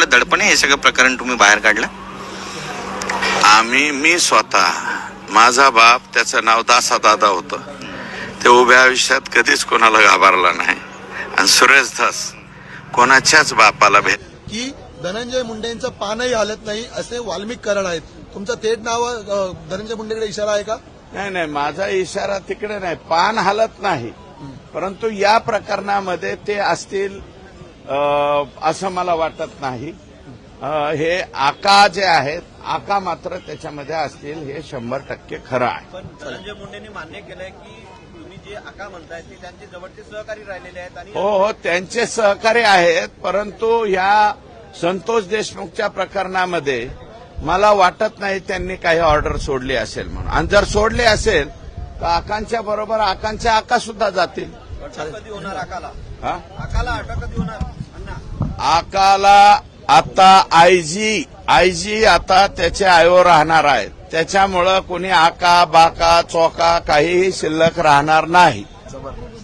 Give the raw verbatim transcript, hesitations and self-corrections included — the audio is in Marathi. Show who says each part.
Speaker 1: एवढं दडपण हे सगळं प्रकरण तुम्ही बाहेर काढलं?
Speaker 2: आम्ही मी स्वतः माझा बाप त्याचं नाव दासा दादा होतं. ते उभ्या आयुष्यात कधीच कोणाला घाबरला नाही आणि सुरेश धस कोणाच्याच बापाला भेट
Speaker 3: की धनंजय मुंडेंचं पानही हलत नाही असे वाल्मिक करण आहेत. तुमचं थेट नाव अ, धनंजय मुंडेकडे इशारा आहे का?
Speaker 2: नाही नाही माझा इशारा तिकडे नाही, पान हलत नाही, परंतु या प्रकरणामध्ये ते असतील अ, असं मला वाटत नाही. अ, हे आका जे आहेत आका मात्र त्याच्यामध्ये असतील हे शंभर टक्के खरं आहे.
Speaker 4: पण धनंजय मुंडेंनी मान्य केलंय की तुम्ही जे आका म्हणताय ते त्यांचे जवळचे सहकारी राहिलेले आहेत आणि
Speaker 2: हो हो त्यांचे सहकारी आहेत, परंतु या संतोष देशमुखच्या प्रकरणामध्ये मला वाटत नाही त्यांनी काही ऑर्डर सोडली असेल म्हणून. आणि जर सोडली असेल तर आकांच्या बरोबर आकांच्या आका सुद्धा जातील.
Speaker 4: अटक कधी होणार आकाला?
Speaker 2: हा?
Speaker 4: आकाला अटक कधी होणार अण्णा?
Speaker 2: आकाला आता आयजी आयजी आता त्याचे आयो राहणार आहेत. त्याच्यामुळं कोणी आका बाका चोका काहीही शिल्लक राहणार नाही.